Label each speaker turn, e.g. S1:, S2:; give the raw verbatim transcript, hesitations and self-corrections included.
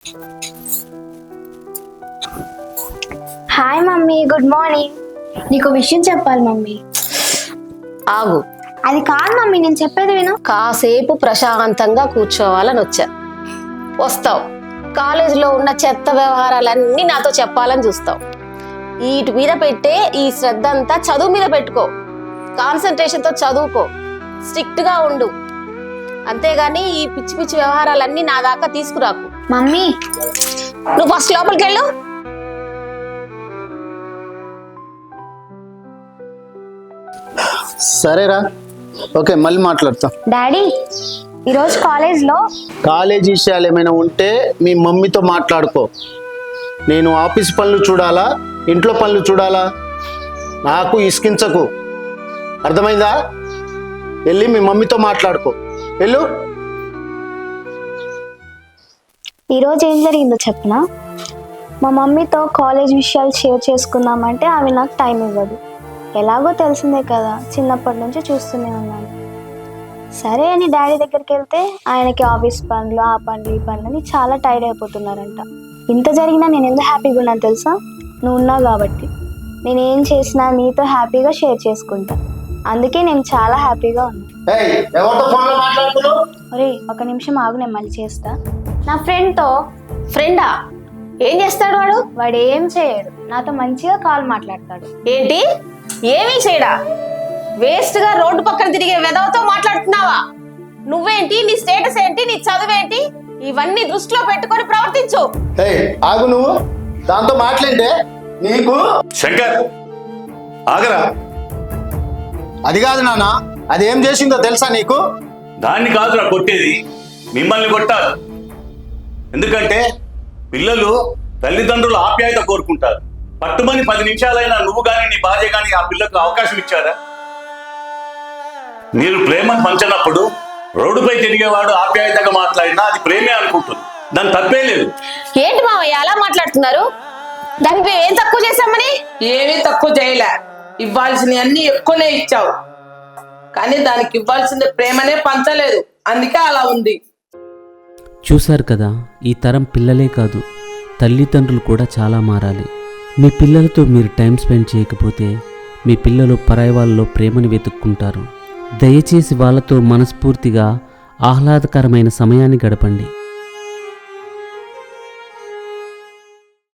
S1: Hi mummy, good morning. నీకు విషయం చెప్పాలి మమ్మీ.
S2: ఆగు.
S1: అది కాదు మమ్మీ, నేను చెప్పేది విను.
S2: కాసేపు ప్రశాంతంగా కూర్చోవాలని వచ్చా. వస్తావు, కాలేజీలో ఉన్న చెత్త వ్యవహారాలన్నీ నాతో చెప్పాలని చూస్తావు. వీటి మీద పెట్టే ఈ శ్రద్ధ అంతా చదువు మీద పెట్టుకో. కాన్సన్ట్రేషన్తో చదువుకో, స్ట్రిక్ట్గా ఉండు. అంతేగాని ఈ పిచ్చి పిచ్చి వ్యవహారాలన్నీ నా దాకా తీసుకురాకు.
S1: మమ్మీ,
S2: నువ్వు ఫస్ట్ లోపలికి వెళ్ళు.
S3: సరేరా, ఓకే, మళ్ళీ మాట్లాడతా.
S1: డాడీ, ఈరోజు కాలేజ్లో
S3: కాలేజ్ విషయాలు ఏమైనా ఉంటే మీ మమ్మీతో మాట్లాడుకో. నేను ఆఫీస్ పనులు చూడాలా, ఇంట్లో పనులు చూడాలా? నాకు ఇసుకించకు, అర్థమైందా? వెళ్ళి మీ మమ్మీతో మాట్లాడుకో, వెళ్ళు.
S1: ఈరోజు ఏం జరిగిందో చెప్పనా? మా మమ్మీతో కాలేజ్ విషయాలు షేర్ చేసుకుందామంటే ఆమె నాకు టైం ఇవ్వదు. ఎలాగో తెలిసిందే కదా, చిన్నప్పటి నుంచి చూస్తూనే ఉన్నాను. సరే అని డాడీ దగ్గరికి వెళ్తే ఆయనకి ఆఫీస్ పనులు, ఆ పనులు, ఈ పనులు అని చాలా టైర్డ్ అయిపోతున్నారంట. ఇంత జరిగినా నేను ఎందుకు హ్యాపీగా ఉన్నాను తెలుసా? నువ్వు ఉన్నావు కాబట్టి. నేను ఏం చేసినా నీతో హ్యాపీగా షేర్ చేసుకుంటా. అందుకే నేను చాలా హ్యాపీగా ఉన్నాను. ఒరే, ఒక నిమిషం ఆగు, నేను మళ్ళీ చేస్తా. నా ఫ్రెండ్తో.
S2: ఫ్రెండా? ఏం చేస్తాడు వాడు?
S1: వాడు ఏం చేయడు, నాతో మంచిగా కాల్ మాట్లాడతాడు.
S2: ఏంటి? ఏమీ చేయడా? వేస్ట్ గా రోడ్డు పక్కన తిరిగే వెధవతో మాట్లాడుతున్నావా? నువ్వేంటి, నీ స్టేటస్ ఏంటి, నీ చదువేంటి, ఇవన్నీ దృష్టిలో పెట్టుకొని ప్రవర్తించు.
S3: ఆగు, నువ్వు దాంతో మాట్లాడితే నీకు.
S4: శంకర్, ఆగరా.
S3: అది కాదు నాన్న, అది ఏం చేసిందో తెలుసా నీకు?
S4: దాన్ని కాదురా కొట్టేది, మిమ్మల్ని కొట్టాలి. ఎందుకంటే పిల్లలు తల్లిదండ్రుల ఆప్యాయత కోరుకుంటారు. పట్టుమని పది నిమిషాలైనా నువ్వు గాని నీ భార్య గాని ఆ పిల్లకు అవకాశం ఇచ్చారా? మీరు ప్రేమను పంచినప్పుడు రోడ్డుపై తిరిగేవాడు ఆప్యాయతగా మాట్లాడినా అది ప్రేమే అనుకుంటుంది. దాని తప్పే లేదు.
S2: ఏంటి మావయ్య అలా మాట్లాడుతున్నారు? దానికి మేము ఏం తక్కువ చేశామని?
S5: ఏమీ తక్కువ చేయలే, ఇవ్వాల్సినవి అన్ని ఎక్కువనే ఇచ్చావు. కానీ దానికి ఇవ్వాల్సిన ప్రేమనే పంచలేదు, అందుకే అలా ఉంది.
S6: చూశారు కదా, ఈ తరం పిల్లలే కాదు తల్లిదండ్రులు కూడా చాలా మారాలి. మీ పిల్లలతో మీరు టైం స్పెండ్ చేయకపోతే మీ పిల్లలు పరాయి వాళ్ళలో ప్రేమను వెతుక్కుంటారు. దయచేసి వాళ్ళతో మనస్ఫూర్తిగా ఆహ్లాదకరమైన సమయాన్ని గడపండి.